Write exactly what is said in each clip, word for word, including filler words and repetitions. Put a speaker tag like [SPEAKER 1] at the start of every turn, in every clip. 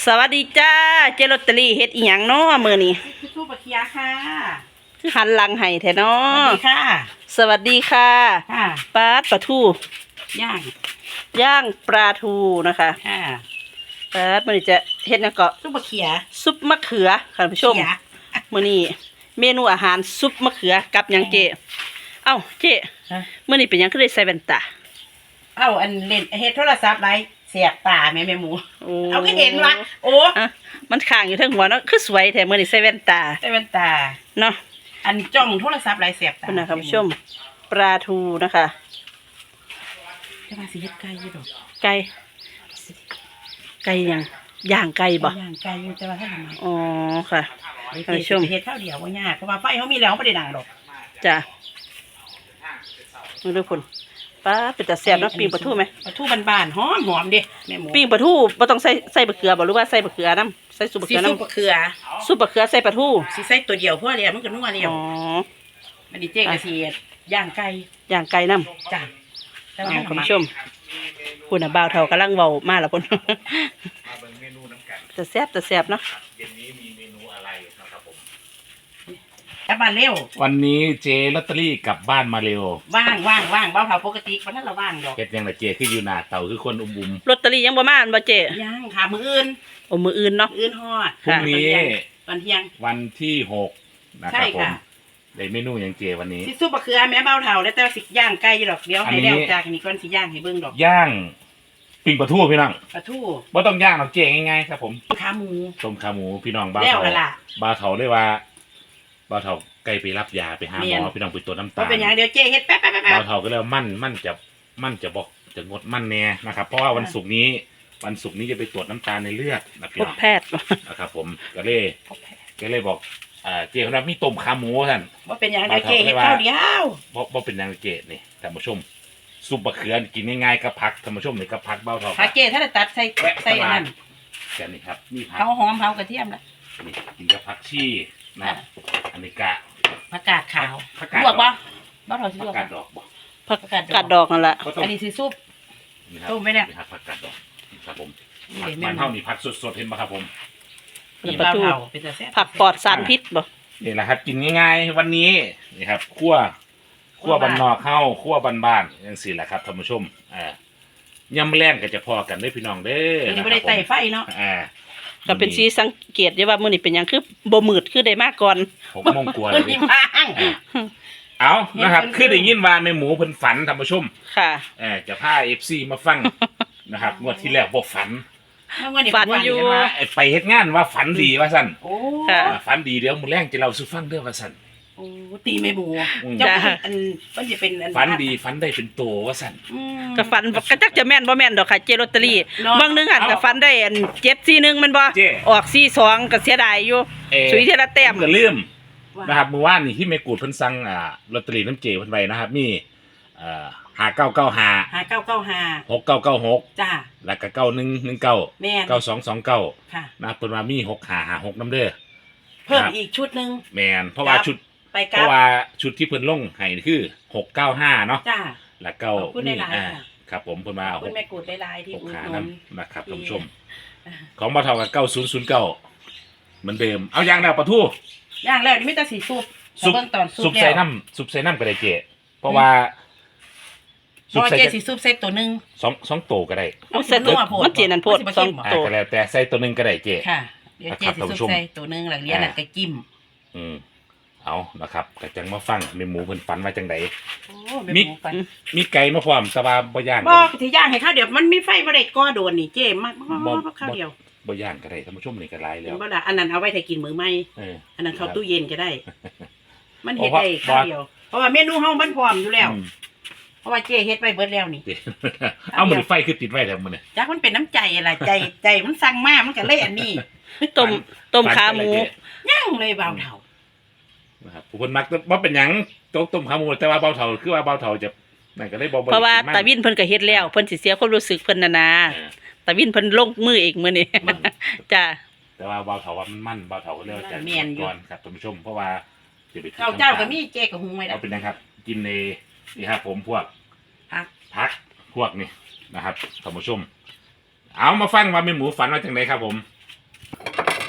[SPEAKER 1] สวัสดีจ้าเจลอตเตอรี่เฮ็ดอีหยังเนาะมื้อนี้
[SPEAKER 2] สู้ปะเคียค่ะ
[SPEAKER 1] คือหันหลังให้แท้เนาะ
[SPEAKER 2] สวัสดีค่ะ
[SPEAKER 1] สวัสดีค่ะ
[SPEAKER 2] ค่ะ
[SPEAKER 1] ปลาปลาทู
[SPEAKER 2] ย่าง
[SPEAKER 1] ย่างปลาทูนะคะ
[SPEAKER 2] ค่ะ
[SPEAKER 1] ปลามื้อนี้จะเฮ็ดหยังก็
[SPEAKER 2] สู้ปะเคีย
[SPEAKER 1] ซุปมะเขือค่ะท่านผู้ชมมื้อนี้เมนูอาหารซุปมะเขือกับหยังเจเอ้าเจมื้อนี้เป็นหยังคือได้ใส่แว่นตา
[SPEAKER 2] เอ้าอันเล่นเฮ็ดโทรศัพท์ไรเสียบตาแม่แม่หมูเอาก็เห็นวะโอ้
[SPEAKER 1] มันข้างอยู่ทั้งหัวเนาะคือสวยแท้มื้อนี้ใส่แว่นตา
[SPEAKER 2] ใส่แว่นตา
[SPEAKER 1] เนาะ
[SPEAKER 2] อันจ้องโทรศัพท์ไรเสียบตา
[SPEAKER 1] คุณผู้ชมปลาทูนะคะ
[SPEAKER 2] จะมาสิเฮ็ดไก่อยู่ดอก
[SPEAKER 1] ไก่ไก่ยังย่างไก่บ่
[SPEAKER 2] ย่างไก่อยู่จะมาให้ทำไม
[SPEAKER 1] อ๋อค่ะท่านผู้ชม
[SPEAKER 2] เฮ็ดข้าวเดียวว่ายากเพราะว่าไฟเขามีแล้วไม่ได้ดังดอก
[SPEAKER 1] จ้ะดูคุณป้าเป็นแต่แซ่บเนาะปิ้งปลาทูไหม
[SPEAKER 2] ปลาทูบานๆหอมหอมดิแม่หมู
[SPEAKER 1] ปิ้งปลาทูบ่ต้องใส่ใส่บะเขือบ่หรือว่าใส่บะเขือน้ำใส่ซุปบะเขือน้ำ
[SPEAKER 2] ซุปบะเขือ
[SPEAKER 1] ซุปบะเขือใส่ปลาทู
[SPEAKER 2] สิใส่ตัวเดียวเพราะอะไรมันก็นัวเดียว
[SPEAKER 1] อ๋อ
[SPEAKER 2] มันดีเจ๊กระเทียมย่างไก่
[SPEAKER 1] ย่างไก่น้ำ
[SPEAKER 2] จ้ะ
[SPEAKER 1] คุณผู้ชมคุณน่ะบ่าวเฒ่ากำลังเว้ามาแล้วพุ่นแต่แซ่บแต่แซ่บเนาะ
[SPEAKER 3] เย็นนี้มีเมนูอะไรนะครับผม
[SPEAKER 2] กลับบ้านเร็ว
[SPEAKER 3] วันนี้เจลอตเตอรี่กลับบ้านมาเร็ว
[SPEAKER 2] ว่างว่างว่างบ้านเฒ่าปกติวันนั้นเราว่างดอก
[SPEAKER 3] เฮ็ดยังไงเจคืออยู่หน้าเต่าคือคนอุ้มบุม
[SPEAKER 1] ลอตเตอรี่ยังบ่มาอันบ่เจ
[SPEAKER 2] ยังค่ะมื้ออื่น
[SPEAKER 1] โอ้มื้ออื่นเนาะ
[SPEAKER 2] อื่นฮอด
[SPEAKER 3] พรุ่งนี้
[SPEAKER 2] ตอนเที่ยง
[SPEAKER 3] วันที่หกนะครับผมได้เมนูอย่างเจวันนี้
[SPEAKER 2] สิซุปบะเขือแม่เบาเฒ่าแล้วแต่สิย่างไก่ดอกเดี๋ยวให้แล้วจากนี้ก่อนสิย่างให้เบิ่งดอก
[SPEAKER 3] ย่างปิ้งปลาทูพี่น้อง
[SPEAKER 2] ปลาทู
[SPEAKER 3] บ่ต้องย่างหรอกเจง่ายๆครับผม
[SPEAKER 2] ขาหมู
[SPEAKER 3] ต้มขาหมูพี่น้องบ้าวเฒ่าบ้าวเฒ่าเลยว่าบ้าวเฒ่าไก่ไปรับยาไปหาหมอพี่น้องไปตรวจน้ำตาล
[SPEAKER 2] เป็นอย่างเดียวเจเฮ็ดแป๊บๆๆ
[SPEAKER 3] บ้าวเฒ่าก็เลยมั่นมั่นจะมั่นจะบอกจะงดมั่นแน่นะครับเพราะว่าวันศุกร์นี้วันศุกร์นี้จะไปตรวจน้ำตาลในเลือดนะพี่น้อง
[SPEAKER 1] แพทย์
[SPEAKER 3] นะครับผมก็เลยก็เลยบอกอ่าเจ๊เขาบอกมีต้มขาหมูท่าน
[SPEAKER 2] ว่าเป็นอย่างเดียวเจเฮ็ดข้าวเดียว
[SPEAKER 3] เพราะว่าเป็นอย่างเจนี่ท่านผู้ชมซุปบะเขือกินง่ายๆกับผักท่านผู้ชมนี่กับผักเบาเท่า
[SPEAKER 2] ผักเจถ้าตัดใส่ใส่อันนั้น
[SPEAKER 3] แค่นี้ครับนี่ผัก
[SPEAKER 2] เขาหอมเขากระเทียมแล้ว
[SPEAKER 3] นี่กินกับผักชีนะอันนี้กะ
[SPEAKER 2] ผักกาดขาวลวกบ่บ่เท่าสิลวก
[SPEAKER 3] ผักกาดดอกบ่
[SPEAKER 1] ผักกาดดอกนั่นแหละ
[SPEAKER 2] อันนี้สิซุปต้มไหมเนี่ย
[SPEAKER 3] ผักกาดดอกครับผมมันเท่านี้ผักสดๆเห็นไหมครับผม
[SPEAKER 1] ปลาทูผักปลอดสารพิษบ่
[SPEAKER 3] นี่แหละครับกินง่ายๆวันนี้นี่ครับคั่วคั่วบันนอกเข้าคั่วบ้านๆอย่างสี่แหละครับท่านผู้ชมอ่ายำแรงก็จะพอกันได้พี่น้องเด้อ
[SPEAKER 2] นี่ไม่ได้ไต่ไฟเนาะ
[SPEAKER 3] อ่า
[SPEAKER 1] ก็เป็นสีสังเกตได้ว่ามื้อนี้เป็นอย่างคือบ่มืดคือได้มากก่อน
[SPEAKER 3] ผมมองกลัวเลยเอานะครับคือได้ยินว่าแม่หมูเพิ่นฝันท่านผู้ชม
[SPEAKER 1] ค่ะ
[SPEAKER 3] เออจะพา เอฟ ซี มาฟังนะครับงวดที่แล้วบ่ฝัน
[SPEAKER 1] ฝันอยู่
[SPEAKER 3] ไปเฮ็ดงานว่าฝันดีว่าซั่น
[SPEAKER 2] โอ้
[SPEAKER 3] ฝันดีเดี๋ยวมื้อแรงจะเล่าสู่ฟังเด้อว่าซั่น
[SPEAKER 2] โอ้ตีแม่หมูจ้าอันมันจะเป็น
[SPEAKER 3] ฝันดีฝันได้เป็นโตว่าซั่น
[SPEAKER 1] ก็ฝันก็จักจะแม่นบ่แม่นดอกค่ะเจลอตเตอรี่บางนึงหันก็ฝันได้อันเจ็ดสี่หนึ่งมันบ่ออกสี่สองก็เสียดายอยู่สุยเทละแต้ม
[SPEAKER 3] ก็ลืมนะครับเมื่อวานนี่ที่แม่กูดเพิ่นสั่งอ่าลอตเตอรี่น้ำเจเพิ่นไว้นะครับมีเอ่อห้าเก้าเก้าห้า
[SPEAKER 2] ห้าเก้าเก้าห้า
[SPEAKER 3] หกเก้าเก้าหก
[SPEAKER 2] จ้า
[SPEAKER 3] แล้วก็เก้าหนึ่งหนึ่งเก้า
[SPEAKER 2] แม่น
[SPEAKER 3] เก้าสองสองเก้า
[SPEAKER 2] ค่ะ
[SPEAKER 3] นะเพิ่นว่ามีหกห้าห้าหกน้ำเด้อ
[SPEAKER 2] เพิ่มอีกชุดนึง
[SPEAKER 3] แม่นเพราะว่าชุดเพราะว่าชุดที่เพิ่นลงให้คือหกเก้าห้าเนาะ
[SPEAKER 2] จ้า
[SPEAKER 3] แล้วเก้านี่อ่าครับผมเพิ่นมา
[SPEAKER 2] คุณแม่กูดได้ลายที่
[SPEAKER 3] หกห้านํนะครับท่านผู้ชมของบ่เท่ากับเก้าศูนย์ศูนย์เก้าเหมือนเดิมเอาอย่างแล้วปลาทู
[SPEAKER 2] ย่างแล้วนี่มีแต่สีซุป
[SPEAKER 3] ซุปซุปใส่น้ำซุปใส่น้ำก็ได้เจเพราะว่า
[SPEAKER 2] ซุปใส่สีซุปใส่ตัวนึง
[SPEAKER 3] สองสองโตก็ได้
[SPEAKER 1] ใส่ตัวมันเจนันโพดสองโต
[SPEAKER 3] ก็แล้วแต่ใส่ตัวนึงก็ได้เจ
[SPEAKER 2] ค่ะเดี๋ยวเจสีซุปใส่ตัวนึงหลังเลี้ยงหลังก็จิ้ม
[SPEAKER 3] อืมเอานะครับก็จังมาฟังแม่หมูเพิ่นฝันว่าจังได๋
[SPEAKER 2] มี
[SPEAKER 3] มีไก่มาพร้อมแต่ว่าบ่ย่าง
[SPEAKER 2] บ่สิย่างให้ข้าวเดี๋ยวมันมีไฟบ่ได้ก่อโดนนี่เจมาข้าวเดียว
[SPEAKER 3] บ่ย่างก็ได้ท่านผู้ชมนี่ก็หลายแล้ว
[SPEAKER 2] บ่ล่ะอันนั้นเอาไว้ถ้ากินมื้อใหม่
[SPEAKER 3] เออ
[SPEAKER 2] อันนั้นเข้าตู้เย็นก็ได้มันเฮ็ดได้ข้าวเดียวเพราะว่าเมนูเฮามันพร้อมอยู่แล้วเพราะว่าเจเฮ็ดไว้เบิดแล้วนี่
[SPEAKER 3] เอามื้อไฟคือติดไว้แล้วมื้อนี้
[SPEAKER 2] จักมันเป็นน้ำใจอะไรใจใจมันสั่งมามันก็เลยอันนี้
[SPEAKER 1] ต้มต้มขาหมู
[SPEAKER 2] ย่างเลยเบาเฒ่า
[SPEAKER 3] นะครับผู้คนมักว่าเป็นหยังต้มต้มขาหมูแต่ว่าเบาเฒ่าคือว่าเบาเฒ่าจะนั่นก็เลยบ่
[SPEAKER 1] เพราะว่าตาวินเพิ่นก็เฮ็ดแล้วเพิ่นสิเสียความรู้สึกเพิ่นน่ะนะตาวินเพิ่นลงมือเองมื้อนี้จ้า
[SPEAKER 3] แต่ว่าเบาเฒ่าว่ามันมันเบาเฒ่าก็เลยจะก่อนครับท่านผู้ชมเพราะว่า
[SPEAKER 2] จะไปเจ้าก็มีเจ๊ก็หุงไว้แล้ว
[SPEAKER 3] เอาเป็นนะครับกินในนี่ครับผมพวก
[SPEAKER 2] ผัก
[SPEAKER 3] ผักพวกนี่นะครับท่านผู้ชมเอามาฟังว่าแม่หมูฝันว่าจังไดครับผม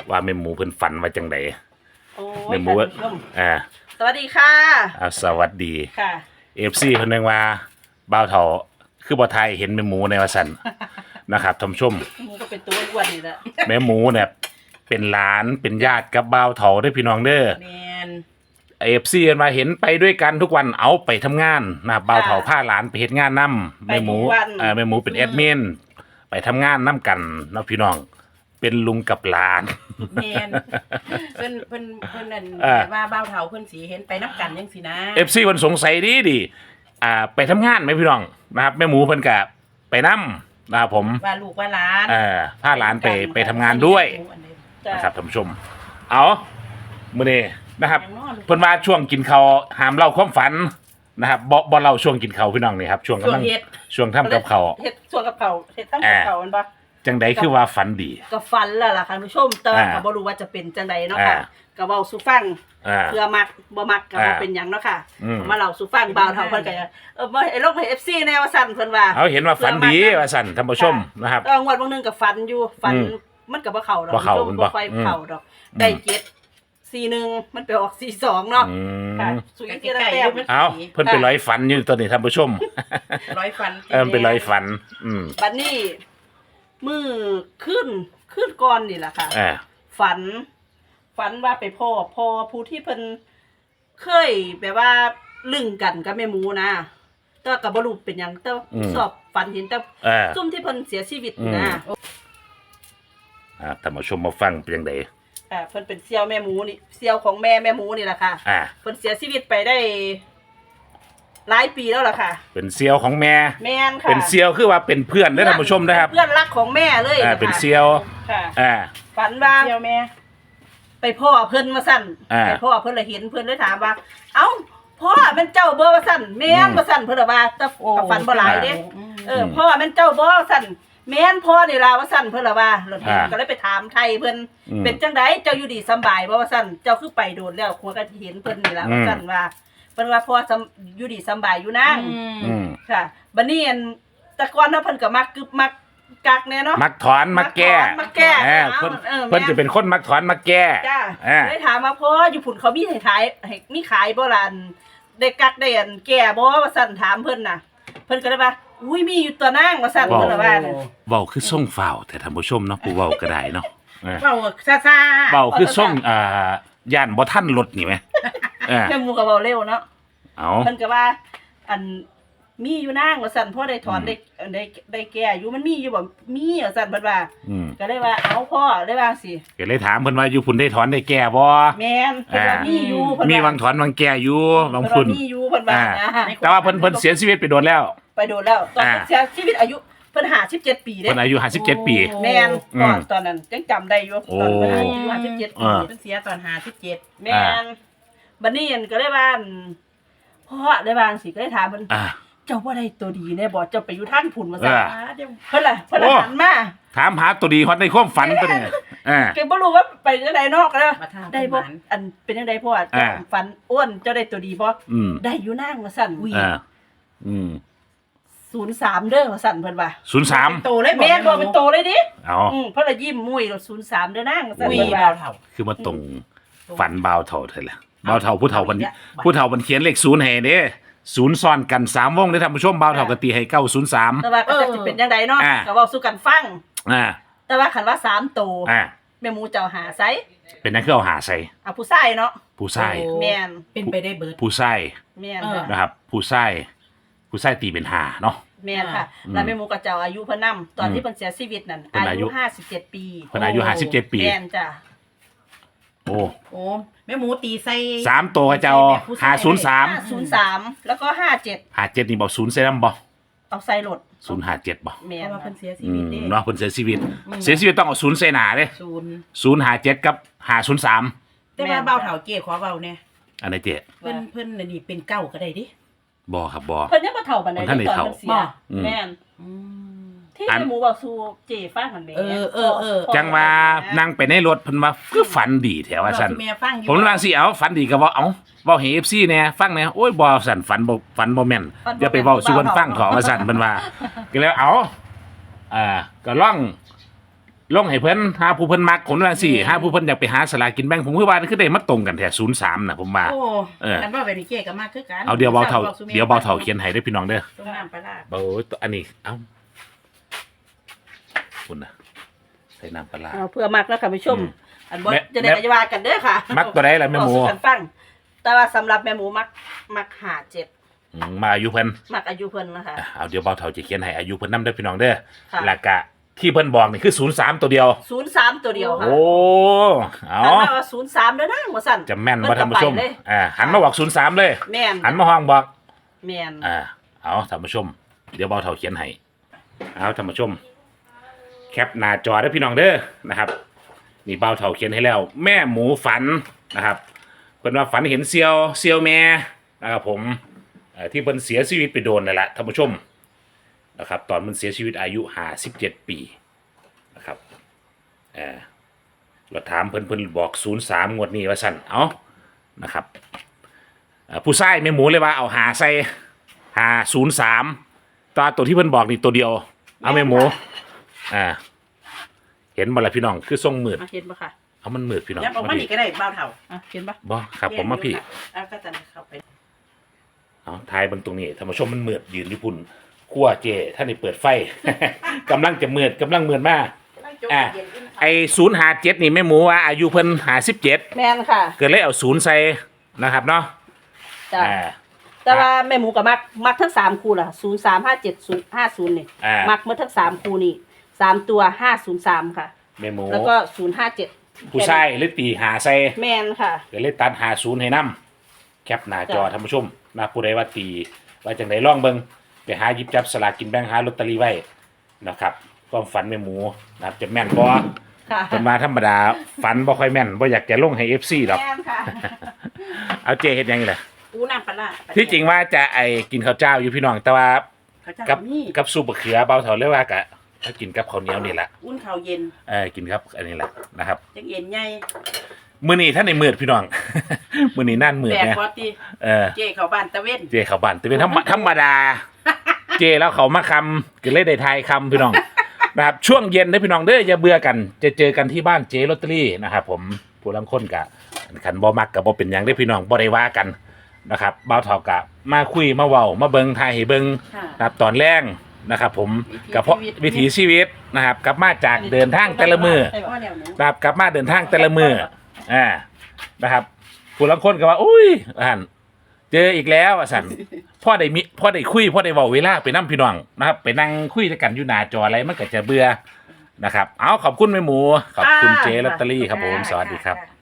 [SPEAKER 3] ว่าแม่หมูเพิ่นฝันว่าจังได
[SPEAKER 1] โอ้
[SPEAKER 3] แม่
[SPEAKER 1] ย
[SPEAKER 3] หมู
[SPEAKER 1] ท่านผู้ชม
[SPEAKER 3] อ่า
[SPEAKER 1] สวัสดีค่ะ
[SPEAKER 3] อ่าสวัสดี
[SPEAKER 1] ค่ะ
[SPEAKER 3] เอฟซีเพิ่นนึงว่าบ่าวเฒ่าคือบ่ทายเห็นแม่หมูในว่าซั่น นะครับท่านผู้ชม
[SPEAKER 1] หมูก็เป็นตัวอ้วนนี่แหละ
[SPEAKER 3] แม่หมูเนี่ยเป็นหลานเป็นญาติกับบ่าวเฒ่าเด้อพี่น้องเด้อ
[SPEAKER 2] แมน
[SPEAKER 3] เอฟซีเพิ่นว่าเห็นไปด้วยกันทุกวันเอาไปทำงานนะครับบ่าวเฒ่าพาหลานไปเฮ็ดงานนํแม่หมูเอ่อแม่หมูเป็นแอดมินไปทำงานนํกันเนาะพี่น้องเป็นลุงกับหลาน
[SPEAKER 2] แมนเพิ่นเพิ่นเพิ่นนั่น
[SPEAKER 3] อ่า
[SPEAKER 2] แบบว่าเบ้าเฒ่าเพิ่นสีเห็นไปน้ำกันจังสินะ
[SPEAKER 3] เอฟซีเพิ่นสงสัยดีดีอ่าไปทำงานไหมพี่น้องนะครับแม่หมูเพิ่นก็ไปนํนะครับผม
[SPEAKER 2] ว่าลูกว่าหลาน
[SPEAKER 3] เอ่อพาหลานไปไปทำงานด้วย
[SPEAKER 1] จ้ะ
[SPEAKER 3] นะครับท่านผู้ชม เอามื้อนี้นะครับ
[SPEAKER 2] อย่างน้อยลูก
[SPEAKER 3] เพิ่นว่าช่วงกินข้าวห้ามเล่าความฝันนะครับบ่บ่เล่าช่วงกินข้าวพี่น้องนี่ครับช่วง
[SPEAKER 2] ช่ว
[SPEAKER 3] กำลั
[SPEAKER 2] ง
[SPEAKER 3] ง
[SPEAKER 2] เฮ็ด
[SPEAKER 3] ช่วงทำกับข้าว
[SPEAKER 1] เฮ็ดส่วนกับเขาเฮ็ดตั้งกับเขามันปะ
[SPEAKER 3] จังใดคือว่าฝันดี
[SPEAKER 1] ก็ฟันแล้วล่ะค่ะท่านผู้ชมแต่ว่า
[SPEAKER 3] อ่า
[SPEAKER 1] ก็บ่รู้ว่าจะเป็นจังใดเนาะค่ะ
[SPEAKER 3] อ่า
[SPEAKER 1] ก็เว้าสู่ฟัง
[SPEAKER 3] อ่า
[SPEAKER 1] เพื่อมักบ่มักก็บ่
[SPEAKER 3] อ่า
[SPEAKER 1] เป็นหยังเนาะค่ะ
[SPEAKER 3] อืม
[SPEAKER 1] มาเล่าสู่ฟังบ่าวเฒ่าเพิ่นก็จะเออบ่ให้ลงให้ เอฟ ซี แน่ว่าซั่นเพิ่นว่า
[SPEAKER 3] เอาเห็นว่าฝันดีว่าสั่นท่านผู้ชมนะครับ
[SPEAKER 1] ก็งวดบางนึงก็ฝันอยู่ฝัน
[SPEAKER 3] อืม
[SPEAKER 1] มันก็บ่เข้าดอก
[SPEAKER 3] บ่เข้า
[SPEAKER 1] ท่น
[SPEAKER 3] มัน
[SPEAKER 1] ผู้ชม
[SPEAKER 3] บ่
[SPEAKER 1] บ่ค่อย
[SPEAKER 3] อืม
[SPEAKER 1] เข้าดอก
[SPEAKER 3] อืม
[SPEAKER 1] ได้เจ็ดสี่หนึ่งมันไปออกสี่สองเนาะ
[SPEAKER 3] อื
[SPEAKER 1] ค่ะ
[SPEAKER 3] ม
[SPEAKER 1] สุย
[SPEAKER 2] ใก
[SPEAKER 1] เกียร
[SPEAKER 2] ล้
[SPEAKER 1] ติ
[SPEAKER 2] ๆ
[SPEAKER 1] แต้
[SPEAKER 2] อยู่
[SPEAKER 1] ม
[SPEAKER 2] มัน
[SPEAKER 3] เอาเพิ่นเป็นร้อยฝันอยู่ตัวนี้ท่านผู้ชม
[SPEAKER 2] ร้อยฟัน
[SPEAKER 3] เออเป็นร้อยฝัน อืม
[SPEAKER 1] บัดนี้มือขึ้นขึ้นก่อนนี่แหละค่ะ
[SPEAKER 3] อ่า
[SPEAKER 1] ฝัน ฝันว่าไปพ่อพ่อผู้ที่เพิ่นเคยแบบว่าลึงกันกับแม่หมูนะแต่กับบรูปเป็นหยังแต่
[SPEAKER 3] อืม
[SPEAKER 1] สอบฝันเห็นแต่
[SPEAKER 3] อ่า
[SPEAKER 1] ซุ่มที่เพิ่นเสียชีวิต
[SPEAKER 3] อืม
[SPEAKER 1] นะ
[SPEAKER 3] อ่าท่านผู้ชมมาฟังเป็นจังได
[SPEAKER 1] อ่าเพิ่นเป็นเซียวแม่หมูนี่เซียวของแม่แม่หมูนี่แหละค่ะ
[SPEAKER 3] อ่า
[SPEAKER 1] เพิ่นเสียชีวิตไปได้หลายปีแล้วล่ะค่ะ
[SPEAKER 3] เป็นเซียวของแม่
[SPEAKER 1] แม่นค่ะ
[SPEAKER 3] เป็นเซียวคือว่าเป็นเพื่อนเด้อท่านผู้ชมนะครับ
[SPEAKER 1] เพื่อนรักของแม่เลย
[SPEAKER 3] อ่า
[SPEAKER 1] นะคะ
[SPEAKER 3] เป็นเซียว
[SPEAKER 1] ค่ะ
[SPEAKER 3] อ่า
[SPEAKER 1] ฝันว่า
[SPEAKER 2] เที่ยวแม่
[SPEAKER 1] ไปพ่อเพิ่นมาสั่น
[SPEAKER 3] อ่า
[SPEAKER 1] ไปพ่อเพิ่นเลยเห็นเพิ่นเลยถามว่า เอ้าพ่อแม่นเจ้าเบอร์ว่าสั่นแม่น
[SPEAKER 3] อืม
[SPEAKER 1] ว่าสั่นเพิ่นละว่าแต่
[SPEAKER 2] โอ้
[SPEAKER 1] กับฝันบ่หลายเด้
[SPEAKER 2] อืม
[SPEAKER 1] เออพ่อแม่นเจ้าบ่ว่าสั่นแม่นพ่อนี่ล่ะว่าสั่นเพิ่นละว่าแล้วเห็น
[SPEAKER 3] อ่า
[SPEAKER 1] ก็เลยไปถามไทยเพิ่น
[SPEAKER 3] อืม
[SPEAKER 1] เป็นจังไดเจ้าอยู่ดีสำบายบ่ว่าสั่นเจ้าคือไปโดนแล้วครัวก็เห็นเพิ่นนี่ล่ะ
[SPEAKER 3] อืม
[SPEAKER 1] ว่าสั่นว่าเพิ่นว่าพ่อสำอยู่ดีสำบายอยู่นาง
[SPEAKER 3] อืม
[SPEAKER 1] ค่ะบัดนี้อันแต่ก่อนเนาะเพิ่นก็มักกึบมักกักแน่เนาะ
[SPEAKER 3] มักถอนมักแก้
[SPEAKER 1] มักแก้
[SPEAKER 3] อ่า
[SPEAKER 1] เอา
[SPEAKER 3] เพิ่น
[SPEAKER 1] เออ
[SPEAKER 3] เพิ่น
[SPEAKER 1] แม่
[SPEAKER 3] จะเป็นคนมักถอนมักแก้
[SPEAKER 1] จ้า
[SPEAKER 3] อ่า
[SPEAKER 1] ได้ถามมาพ่ออยู่ผุนเขามีให้ขายให้มีขายบ่ล่ะอันได้กักได้อันแก่บ่ว่าสั่นถามเพิ่นน่ะ เพิ่นก็เลยว่าอุ้ยมีอยู่ตัวนางว่าสั่น
[SPEAKER 3] ว้าว
[SPEAKER 1] เพิ่นละว่าน่ะ
[SPEAKER 3] เว้าคือส่งฝ่าวแต่ท่านผู้ชมเนาะผู้เว้าก็ได้เนาะอ่า
[SPEAKER 2] เบาซ่าซ่า
[SPEAKER 3] เว้าคือส่งอ่าย่านบ่ทันรถนี่ไหมอ่า
[SPEAKER 1] แม่หมูก็เว้าเร็วเนาะ
[SPEAKER 3] เอา
[SPEAKER 1] เพิ่นก็ว่า อันมีอยู่นางว่าสั่นพ่อได้ถอน
[SPEAKER 3] อืม
[SPEAKER 1] ได้ได้ได้แก่อยู่มันมีอยู่บ่มีว่าสั่นเพิ่นว่า
[SPEAKER 3] อืม
[SPEAKER 1] ก็เลยว่าเอาพ่อเลยว่าสิ
[SPEAKER 3] ก็เลยถามเพิ่นว่าอยู่พุ่นได้ถอนได้แก้บ่
[SPEAKER 1] แม่นเพิ่นว่า
[SPEAKER 3] อ่ามี
[SPEAKER 1] มีอยู่เพิ่น
[SPEAKER 3] มี
[SPEAKER 1] ว่า
[SPEAKER 3] วังถอนวังแก้อยู่บาง
[SPEAKER 1] เพิ่น
[SPEAKER 3] พุ่น
[SPEAKER 1] ว่ามีอยู่เพิ่นว่า
[SPEAKER 3] อ่า
[SPEAKER 1] นะ
[SPEAKER 3] แต่ว่าเพิ่นเพิ่นเสียชีวิตไปโดนแล้ว
[SPEAKER 1] ไปโดนแล้วตอน
[SPEAKER 3] อ่า
[SPEAKER 1] เสียชีวิตอายุเพิ่นห้าสิบเจ็ดปีเด้
[SPEAKER 3] เพิ่นอายุห้าสิบเจ็ดปี
[SPEAKER 1] แม่น
[SPEAKER 3] อืม
[SPEAKER 1] ก่อนตอนนั้นยังจำได้อยู่
[SPEAKER 3] โอ้
[SPEAKER 1] ตอนเพิ่นอายุห้าสิบเจ็ดปี
[SPEAKER 3] อ่า
[SPEAKER 2] เพิ่นเสียตอนห้าสิบเจ็ด
[SPEAKER 1] แม่นบัดนี้อันก็เลยว่าอั่นพ่อได้บาจั่งสิก็เลยถามเพิ่น
[SPEAKER 3] อ่า
[SPEAKER 1] เจ้าบ่ได้ตัวดีแน่บ่เจ้าไปอยู่ทางพุ่นว่า
[SPEAKER 3] เอ
[SPEAKER 1] ซั่น
[SPEAKER 3] อ
[SPEAKER 2] อ่าเดี๋ยว
[SPEAKER 1] เพิ่นล่ะเพิ่นล่ะ
[SPEAKER 3] โอ้
[SPEAKER 1] หันมา
[SPEAKER 3] ถามหาตัวดีฮอดในความฝันตัวนี้อ่า
[SPEAKER 1] แกบ่รู้ว่าไปจังไดนอกก็ได้
[SPEAKER 2] มาทาง
[SPEAKER 1] ได้บ่
[SPEAKER 2] ประมาณ
[SPEAKER 1] อันเป็นจังไดพ่อ
[SPEAKER 3] อ่า
[SPEAKER 1] เจ้าฝันอ้วนเจ้าได้ตัวดีบ่
[SPEAKER 3] อืม
[SPEAKER 1] ได้อยู่นางว่าซั่นอุ้ย
[SPEAKER 3] อ่าอืม
[SPEAKER 1] ศูนย์สามเด้อว่าซั่นเพิ่นว่า
[SPEAKER 3] ศูนย์สาม
[SPEAKER 2] โตเลย
[SPEAKER 1] แม่นบ่เป็นโตเลยดิ
[SPEAKER 3] เอา
[SPEAKER 1] อืมเพิ่นละยิ้มมุ้ยแล้วศูนย์สามเด้อนางว่าซั่น
[SPEAKER 2] อุ้ย
[SPEAKER 1] เพิ่น
[SPEAKER 2] เบา
[SPEAKER 1] ว่า
[SPEAKER 2] เท่า
[SPEAKER 3] คือมาตรงฝันบ่าวเท่าเท่าแหละบ่าวเท่าผู้เฒ่ามันผู้เฒ่ามันเขียนเลขศูนย์ให้เด้ศูนย์ซ้อนกันสามวงได้อท่านผู้ชมบ่าวเท่าก็ตีให้เก้าศูนย์สาม
[SPEAKER 1] แต่ว่าก็จะสิเป็นจังไดเนาะ
[SPEAKER 3] อ่า
[SPEAKER 1] ก็เว้าสู่กันฟัง
[SPEAKER 3] อ่า
[SPEAKER 1] แต่ว่าคันว่าสามโต
[SPEAKER 3] อ่า
[SPEAKER 1] แม่หมูเจ้าหาไซ
[SPEAKER 3] เป็นนั่นคือเอาหาใส่
[SPEAKER 1] เอาผู้ชายเนาะ
[SPEAKER 3] ผู้ชาย
[SPEAKER 2] โอ้
[SPEAKER 1] แม่น
[SPEAKER 2] เป็นไปได้เบิด
[SPEAKER 3] ผู้ชาย
[SPEAKER 1] แม่น
[SPEAKER 2] เออ
[SPEAKER 1] ค่ะ
[SPEAKER 3] นะครับ ผู้ชายผู้ชายตีเป็นหาเนาะ
[SPEAKER 1] แม่นค่ะ
[SPEAKER 3] อืม
[SPEAKER 1] แล้วแม่หมูกับเจ้าอายุเพิ่นนํตอนที่เพิ่นเสียชีวิตนั่น
[SPEAKER 3] เพิ่นอา
[SPEAKER 1] อา
[SPEAKER 3] ยุ
[SPEAKER 1] ยุห้าสิบเจ็ดปี
[SPEAKER 3] เพิ่นอายุห้าสิบเจ็ดปี
[SPEAKER 1] แม่นจ้ะ
[SPEAKER 3] โอ้
[SPEAKER 2] โอ้แม่หมูตีใส่
[SPEAKER 3] สามตัวเจ้าหาศูนย์สาม
[SPEAKER 1] ห้าศูนย์สามแล้วก็ห้าเจ็ด
[SPEAKER 3] หาเจ็ดนี่บอกศูนย์เซนัมบ่
[SPEAKER 1] เอาใส่รถ
[SPEAKER 3] ศูนย์หาเจ็ดบ่
[SPEAKER 1] แม่
[SPEAKER 2] เพ
[SPEAKER 1] น
[SPEAKER 2] ราะว่าเพิ่นเสียชี
[SPEAKER 3] อื
[SPEAKER 2] วิต
[SPEAKER 3] ม
[SPEAKER 2] เด้
[SPEAKER 3] เนาะเพิ่นเสียชีวิต
[SPEAKER 2] อืม
[SPEAKER 3] เสียชีวิตต้องเอาศูนย์เซนาเด้
[SPEAKER 2] ศูนย์
[SPEAKER 3] ศูนย์หาเจ็ดกับหาศูนย์สาม
[SPEAKER 2] แต่ว่าเบาเท่าเก๋ขอเบาเนี่ย
[SPEAKER 3] อันไหนเจ๊
[SPEAKER 2] เพิ่นเพิ่นน่ะนี่เป็นเก้าก็ได้ดิ
[SPEAKER 3] บ่ครับบ่
[SPEAKER 1] เพิ่นยังบ่เฒ่าปานใด
[SPEAKER 3] เพิ่นทันได้
[SPEAKER 1] ตอน
[SPEAKER 3] เฒ่า
[SPEAKER 1] เพิ่นเสีย
[SPEAKER 2] บ่
[SPEAKER 3] อืม
[SPEAKER 1] แม่น
[SPEAKER 2] อืม
[SPEAKER 1] ที่
[SPEAKER 3] อัน
[SPEAKER 1] แม่หมูเว้าสู่เจ้ฟังหั่นแหม่
[SPEAKER 2] เออเออเออ
[SPEAKER 3] จังว่านั่งไปในรถเพิ่นว่าคือฝันดีแถวว่าซั่น
[SPEAKER 2] เรสิแม่ฟังอยู่
[SPEAKER 3] ผมว่าสิเอาฝันดีก็บ่เอาเว้าให้ เอฟ ซี แหน่ฟังแหน่โอ้ยบ่สั่นฝันบ่ฝันบ่แม่นอย่าไปเว้าสู่เพิ่นฟังเถาะว่าซั่นเพิ่นว่าก็แล้วเอาอ่าก็ลองลงให้เพิ่นหาผู้เพิ่นมักผมว่าสิหาผู้เพิ่นอยากไปหาสลากกินแบ่งผมคือว่าคือได้มาตรงกันแท้ศูนย์สามน่ะผมว่า
[SPEAKER 2] โอ้
[SPEAKER 3] เออ
[SPEAKER 2] กันว่าไปนี่เจ๊ก็มาคือกัน
[SPEAKER 3] เอาเดี๋ยวเบาเท่าเดี๋ยวเบาเท่าเขียนให้เด้อพี่น้องเด้อ
[SPEAKER 2] ตรงน้ำปลาร้า
[SPEAKER 3] เบาอันนี้เอ้าคุณน่ะใส่น้ำปลาร้า
[SPEAKER 1] เอาเพื่อมักแล้วค่ะผู้ชม
[SPEAKER 3] อืม
[SPEAKER 1] อันบ่
[SPEAKER 3] แม่
[SPEAKER 1] จะได้กระว่ากันเด้อค่ะ
[SPEAKER 3] มักตัวใดล่ะแม่หมู
[SPEAKER 1] บอกสู่กันฟังแต่ว่าสำหรับแม่หมูมักมักหาเจ็ด
[SPEAKER 3] อืมมาอายุเพิ่น
[SPEAKER 1] มักอายุเพิ่นนะคะ
[SPEAKER 3] อ่ะเอาเดี๋ยวเบาเท่าจะเขียนให้อายุเพิ่นนำเด้อพี่น้องเด้อ
[SPEAKER 1] ค่ะ
[SPEAKER 3] แล้วก็ที่เพิ่นบอกนี่คือศูนย์สามตัวเดียว
[SPEAKER 1] ศูนย์สามตัวเดียวค่ะ
[SPEAKER 3] โอ้เอา
[SPEAKER 1] หันมาว่าศูนย์สามเด้อนะว่าสั่น
[SPEAKER 3] จะแม่นบ่ท่านผู้ชม
[SPEAKER 1] เพิ่ก็ไปเลย
[SPEAKER 3] อ่าหันมาบอกศูนย์สามเลย
[SPEAKER 1] แม่น
[SPEAKER 3] หันมาห้องบอก
[SPEAKER 1] แม่น
[SPEAKER 3] อ่าเอาท่านผู้ชม เดี๋ยวเบาเท่าเขียนให้เอาท่านผู้ชม แคปหน้าจอได้อพี่น้องเด้อนะครับนี่เบาเท่าเขียนให้แล้ว แม่หมูฝันนะครับเพิ่นว่าฝันเห็นเซียวเซียวแม่นะครับผมเอ่อที่เพิ่นเสียชีวิตไปโดนนั่นแหละท่านผู้ชมนะครับตอนมันเสียชีวิตอายุห้าสิบเจ็ดปีนะครับเออเราถามเพิ่นเพิ่นบอกศูนย์สามงวดนี้ว่าสั่นเอานะครับเอ่อผู้ชายแม่หมูเลยว่าเอาหาใส่หาศูนย์สามตัวตัวที่เพิ่นบอกนี่ตัวเดียวเอาแม่หมูอ่าเห็นบ่ล่ะพี่น้องคือทรงมืด
[SPEAKER 1] อ่ะเห็นปะค่ะ
[SPEAKER 3] เอามันมืดพี่น้อง
[SPEAKER 2] ยับออกมานี่ก็ได้เบาเท่า
[SPEAKER 1] อ่ะเห็นปะ
[SPEAKER 3] บ่ครับผมมาพี่
[SPEAKER 2] เอาก็จะเข้าไป
[SPEAKER 3] เอาทายเบนตรงนี้ท่านผู้ชมมันมืดยืนอยู่พุ่นขั้วเจท่านนี่เปิดไฟ กำลังจะมืดกำลังมืดมากอ่าไอศูนย์หาเจ็ดนี่แม่หมูว่าอายุเพิ่นหาสิบเจ็ด
[SPEAKER 1] แม่นค่ะ
[SPEAKER 3] เกิดเลยเอาศูนย์ใส่นะครับเนาะ
[SPEAKER 1] จ้ะ
[SPEAKER 3] อ่า
[SPEAKER 1] แต่ว่าแม่หมูกับมักมักทั้งสามคู่ล่ะศูนย์สามห้าเจ็ดศูนย์ห้าศูนย์นี่
[SPEAKER 3] อ่า
[SPEAKER 1] มักเมื่อทั้งสามคู่นี่สามตัวห้าศูนย์สามค่ะ
[SPEAKER 3] แม่หมู
[SPEAKER 1] แล้วก็ศูนย์ห้าเจ็ด
[SPEAKER 3] ผู้ชายเลยตีหาใส่
[SPEAKER 1] แม่นค่ะ
[SPEAKER 3] เกิดเลยตัดหาศูนย์ให้นํแคปหน้าจอ
[SPEAKER 1] จ้ะ
[SPEAKER 3] ท่านผู้ชมนะผู้ใดว่าตีว่าจังไดลองเบิ่งไปหาหยิบจับสลากกินแบ่งหาลอตเตอรี่ไว้นะครับความฝันแม่หมูนะครับจะแม่นบ่
[SPEAKER 1] ค่ะ
[SPEAKER 3] เป็นมาธรรมดาฝันบ่ค่อยแม่นบ่อยากจะลงให้ เอฟ ซี หรอก
[SPEAKER 1] แม่นค่ะ
[SPEAKER 3] เอาเจเฮ็ดหยังไงล่ะ
[SPEAKER 2] อูน้ำปลาร้า
[SPEAKER 3] ที่จริงว่าจะไอ้กินข้าวเจ้าอยู่พี่น้องแต่ว่า
[SPEAKER 2] เขาจะ
[SPEAKER 3] กับ
[SPEAKER 2] นี่
[SPEAKER 3] กับซุปมะเขือเบาเถาเรียกว่ากะถ้ากินกับข้าวเหนียวนี่แหละ
[SPEAKER 2] อุ่นข้าวเย็น
[SPEAKER 3] เออกินครับอันนี้แหละนะครับ
[SPEAKER 2] จังเย็นใหญ่
[SPEAKER 3] มื้อนี้ท่านในมืดพี่น้อง มื้อนี้นั่นมืด
[SPEAKER 2] แปด
[SPEAKER 3] เนี่ย
[SPEAKER 2] พอตี
[SPEAKER 3] เออ
[SPEAKER 2] เจ๊เข้าบ้านตะเว้น
[SPEAKER 3] เจเข้าบ้านแต่เป็นธรรมธรรมดา เจแล้วเขามาคำก็เลยได้ทายคำพี่น้อง นะครับช่วงเย็นนะพี่น้องเด้ออย่าเบื่อกันจะเจอกันที่บ้านเจลอตเตอรี่นะครับผมผู้ลังคนกะขันบ่มักกับบ่เป็นหยังได้อพี่น้องบ่ได้ว่ากันนะครับบ่าวเฒ่ากะมาคุยมาเว้ามาเบิ่งทายให้เบิ่ง
[SPEAKER 2] ค่ะ
[SPEAKER 3] นะครับตอนแรกนะครับผม
[SPEAKER 2] วิถี
[SPEAKER 3] กับเพราะ
[SPEAKER 2] ชีวิต
[SPEAKER 3] วิถีชีวิตนะครับกลับมาจากเดินทางแต่ละมือ
[SPEAKER 2] พ่อแนวหนู
[SPEAKER 3] นะครับกลับมาเดินทางแต่ละมืออ่านะครับผู้ลังคนก็ว่าอุ้ยอ่านเจออีกแล้วอ่ะสัน พ่อได้มิพ่อได้คุยพ่อได้เว้าเวลาไปนั่งพี่น้องนะครับไปนั่งคุยกันอยู่หน้าจออะไรมันก็จะเบื่อนะครับเอาขอบคุณแม่หมูขอบคุณเจลอตเตอรี่ครับผมสวัสดีครับ
[SPEAKER 2] ค่ะ